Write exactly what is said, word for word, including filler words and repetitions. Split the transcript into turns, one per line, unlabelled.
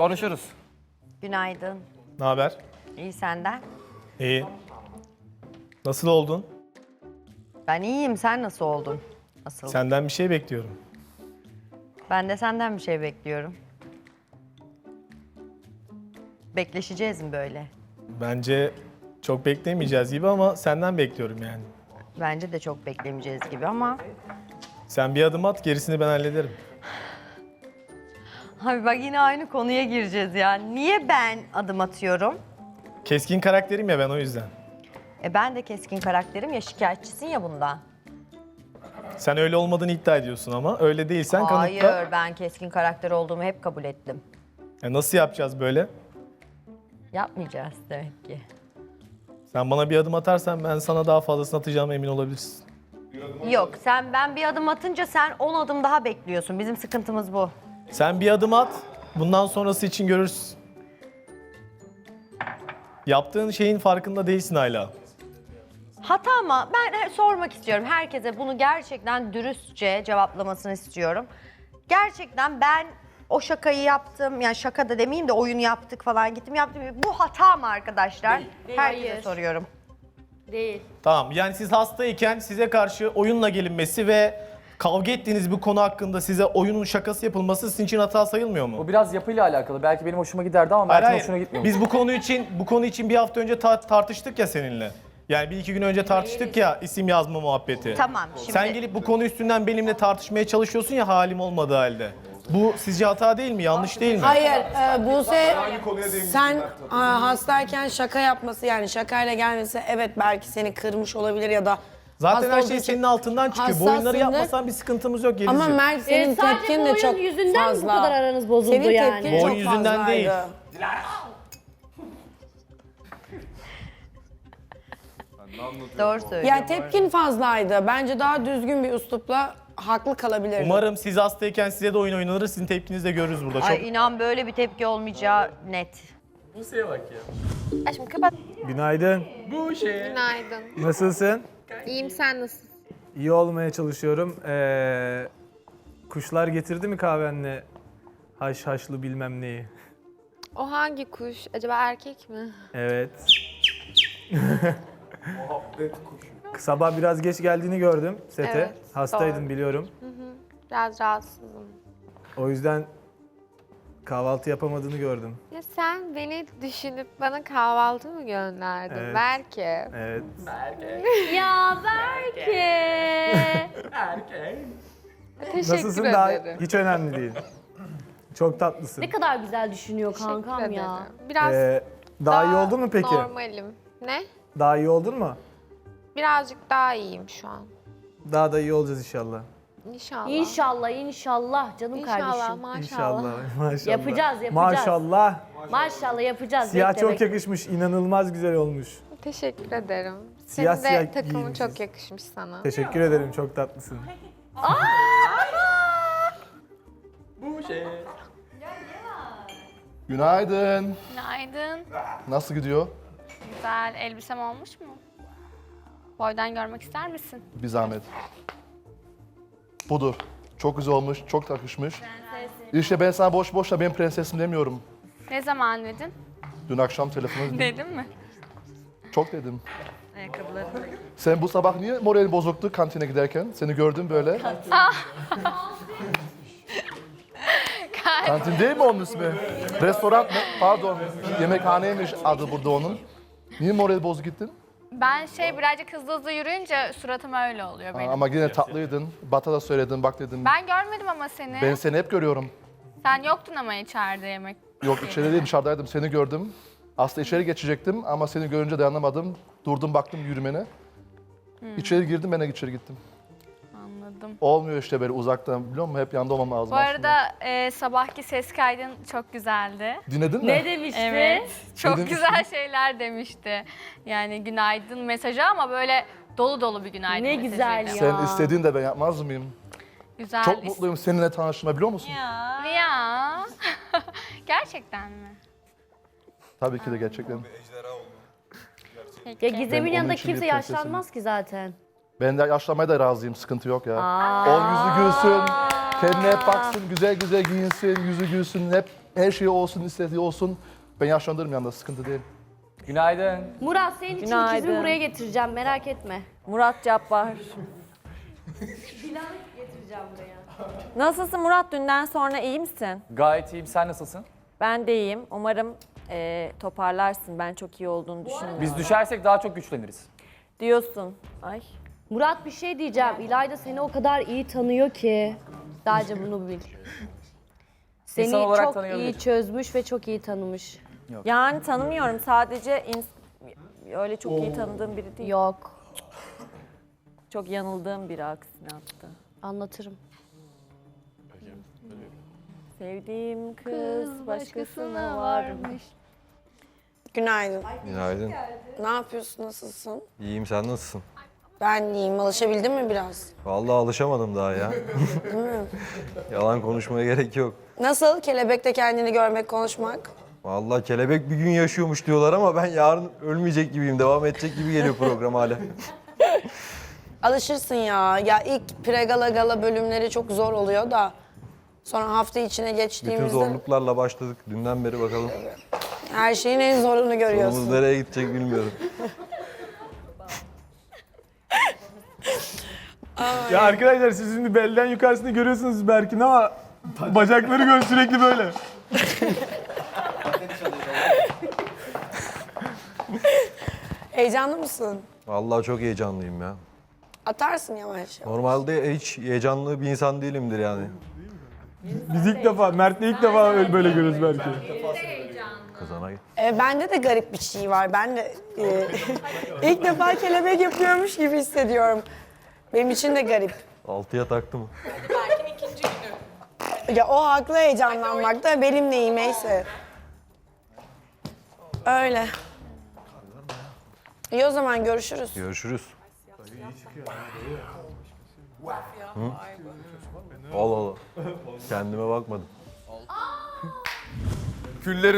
Konuşuruz.
Günaydın.
Ne haber?
İyi senden?
İyi. Nasıl oldun?
Ben iyiyim. Sen nasıl oldun? Nasıl?
Senden bir şey bekliyorum.
Ben de senden bir şey bekliyorum. Bekleşeceğiz mi böyle?
Bence çok beklemeyeceğiz gibi ama senden bekliyorum yani.
Bence de çok beklemeyeceğiz gibi ama...
Sen bir adım at, gerisini ben hallederim.
Abi bak yine aynı konuya gireceğiz ya. Niye ben adım atıyorum?
Keskin karakterim ya ben o yüzden.
E ben de keskin karakterim ya, şikayetçisin ya bundan.
Sen öyle olmadığını iddia ediyorsun ama öyle değilsen
Hayır,
kanıtla.
ben keskin karakter olduğumu hep kabul ettim.
Ya nasıl yapacağız böyle?
Yapmayacağız demek ki.
Sen bana bir adım atarsan ben sana daha fazlasını atacağıma emin olabilirsin.
Yok, sen ben bir adım atınca sen on adım daha bekliyorsun. Bizim sıkıntımız bu.
Sen bir adım at, bundan sonrası için görürsün. Yaptığın şeyin farkında değilsin hala.
Hata mı? Ben he- sormak istiyorum. Herkese bunu gerçekten dürüstçe cevaplamasını istiyorum. Gerçekten ben o şakayı yaptım. Yani şaka da demeyeyim de oyun yaptık falan gittim yaptım. Bu hata mı arkadaşlar?
Değil.
Herkese
Hayır.
soruyorum.
Değil.
Tamam, yani siz hastayken size karşı oyunla gelinmesi ve kavga ettiğiniz bir konu hakkında size oyunun şakası yapılması sizin için hata sayılmıyor mu?
Bu biraz yapıyla alakalı. Belki benim hoşuma giderdi ama
Hayır,
Mert'in
hayır.
hoşuna gitmiyor.
Biz bu konu için bu konu için bir hafta önce ta- tartıştık ya seninle. Yani bir iki gün önce tartıştık ya isim yazma muhabbeti.
Tamam, şimdi-
Sen gelip bu konu üstünden benimle tartışmaya çalışıyorsun ya halim olmadığı halde. Bu sizce hata değil mi? Yanlış değil mi?
Hayır, e, Buse sen a, hastayken şaka yapması yani şakayla gelmesi evet belki seni kırmış olabilir ya da
Zaten
hasta
her
olduğu
şey
için
senin altından çıkıyor. Bu oyunları
hassasındır.
yapmasan bir sıkıntımız yok Gelizciğim.
Ama Mert senin
E, sadece
tepkin
bu
de
oyun
çok
yüzünden mi bu
fazla.
kadar aranız bozuldu
Senin
yani?
tepkin
Bu
çok
oyun yüzünden
fazlaydı.
değil.
Doğru söylüyorum.
Yani tepkin fazlaydı. Bence daha düzgün bir üslupla haklı kalabilirdin.
Umarım siz hastayken size de oyun oynanır. Sizin tepkinizi de görürüz burada. Çok...
Ay inan böyle bir tepki olmayacağı net.
Aşkım kapat.
Günaydın.
Günaydın.
Nasılsın?
İyiyim, sen nasılsın?
İyi olmaya çalışıyorum. Ee, kuşlar getirdi mi kahvenle haş haşlı bilmem neyi?
O hangi kuş? Acaba erkek mi?
Evet. Sabah biraz geç geldiğini gördüm sete.
Evet,
Hastaydın
doğru.
biliyorum.
Biraz rahatsızım.
O yüzden kahvaltı yapamadığını gördüm.
Ya sen beni düşünüp bana kahvaltı mı gönderdin?
Evet.
Belki.
Evet.
Ya belki.
Teşekkür
Nasılsın daha
ederim.
hiç önemli değil. Çok tatlısın.
Ne kadar güzel düşünüyor
Teşekkür
kankam
ederim.
ya.
Biraz
Ee, daha iyi oldun mu peki?
normalim. Ne?
Daha iyi oldun mu?
Birazcık daha iyiyim şu an.
Daha da iyi olacağız inşallah.
İnşallah.
İnşallah inşallah canım
İnşallah,
kardeşim.
maşallah.
İnşallah. Maşallah.
Yapacağız, yapacağız.
Maşallah.
Maşallah yapacağız.
Siyah
bekle,
çok
bekle.
yakışmış, inanılmaz güzel olmuş.
Teşekkür ederim.
Siyah
Senin de
siyah
takımın
giyinmişsin.
çok yakışmış sana.
Teşekkür ederim, çok tatlısın.
Günaydın.
Günaydın.
Nasıl gidiyor?
Güzel elbisem olmuş mu? Boydan görmek ister misin?
Bir zahmet. Budur. Çok güzel olmuş, çok takışmış. İşte ben sana boş boşla benim prensesim demiyorum.
Ne zaman dedin?
Dün akşam telefonu dedim.
Dedim mi?
Çok dedim. Sen bu sabah niye morali bozuktu kantine giderken? Seni gördüm böyle. Kantin değil mi onun ismi? Restoran mı? Pardon. Yemekhaneymiş adı burada onun. Niye morali bozuk gittin?
Ben şey birazcık hızlı hızlı yürüyünce suratım öyle oluyor benim.
Ama yine tatlıydın. Bata da söyledin, bak dedim.
Ben görmedim ama seni.
Ben seni hep görüyorum.
Sen yoktun ama içeride yemek.
Yok içeri değil dışarıdaydım seni gördüm. Aslında içeri geçecektim ama seni görünce dayanamadım. Durdum baktım yürümene. İçeri girdim ben de içeri gittim.
Anladım.
Olmuyor işte böyle uzaktan biliyor musun? Hep yanında olmam lazım
Bu arada e, sabahki ses kaydın çok güzeldi.
Dinledin mi?
Ne demişti?
Evet. Çok
demiştin?
güzel şeyler demişti. Yani günaydın mesajı ama böyle dolu dolu bir günaydın
Ne
mesajıydı.
güzel ya.
Sen istediğin de ben yapmaz mıyım?
Güzel.
Çok mutluyum seninle tanıştığıma biliyor musun?
Ya. Ya. Gerçekten mi?
Tabii ki de gerçekten.
Ya Gizem'in
Ben
yanında
onun için
kimse
bir prensesim.
yaşlanmaz ki zaten.
Ben de yaşlanmaya da razıyım sıkıntı yok ya.
Aa.
O yüzü gülsün, kendine hep baksın, güzel güzel giyinsin, yüzü gülsün hep Her şey olsun, istediği olsun. Ben yaşlandırırım yanında, sıkıntı değil.
Günaydın.
Murat senin için
Günaydın.
ikizimi buraya getireceğim merak etme.
Murat Cabbar.
Getireceğim buraya.
Nasılsın Murat? Dünden sonra iyi misin?
Gayet iyiyim. Sen nasılsın?
Ben de iyiyim. Umarım eee, toparlarsın. Ben çok iyi olduğunu düşünüyorum.
Biz düşersek daha çok güçleniriz.
Diyorsun. Ay.
Murat bir şey diyeceğim. İlayda seni o kadar iyi tanıyor ki. Sadece bunu bil. Seni
İnsan olarak
çok
tanıyabilir.
iyi çözmüş ve çok iyi tanımış.
Yani tanımıyorum. Sadece ins- öyle çok iyi tanıdığım biri değil.
Yok.
Çok yanıldığım biri aksine hatta.
Anlatırım.
Sevdiğim kız başkasına varmış.
Günaydın.
Günaydın.
Ne yapıyorsun, nasılsın?
İyiyim, sen nasılsın?
Ben iyiyim. Alışabildin mi biraz?
Vallahi alışamadım daha ya. Yalan konuşmaya gerek yok.
Nasıl? Kelebekte kendini görmek, konuşmak?
Vallahi kelebek bir gün yaşıyormuş diyorlar ama ben yarın ölmeyecek gibiyim. Devam edecek gibi geliyor program hala.
Alışırsın ya. Ya ilk pregala gala bölümleri çok zor oluyor da sonra hafta içine
Bütün
geçtiğimizde
zorluklarla başladık. Dünden beri bakalım.
her şeyin en zorunu
Sonumuz
görüyorsun.
nereye gidecek bilmiyorum.
Ya arkadaşlar siz şimdi belden yukarısını görüyorsunuz Berk'in ama bacakları gör sürekli böyle.
Heyecanlı mısın?
Vallahi çok heyecanlıyım ya.
Atarsın yavaş yavaş.
Normalde hiç heyecanlı bir insan değilimdir yani.
Biz ilk defa, Mert'le ilk defa öyle böyle görüyoruz Berk'i.
Kazana
E, bende de garip bir şey var. Ben de e, ilk defa kelebek yapıyormuş gibi hissediyorum. Benim için de garip.
altıya taktı mı?
Ya o haklı heyecanlanmakta, benim neyim neyse. Öyle. İyi o zaman görüşürüz.
Görüşürüz. Hı? Allah Allah. Kendime bakmadım.
Küllerin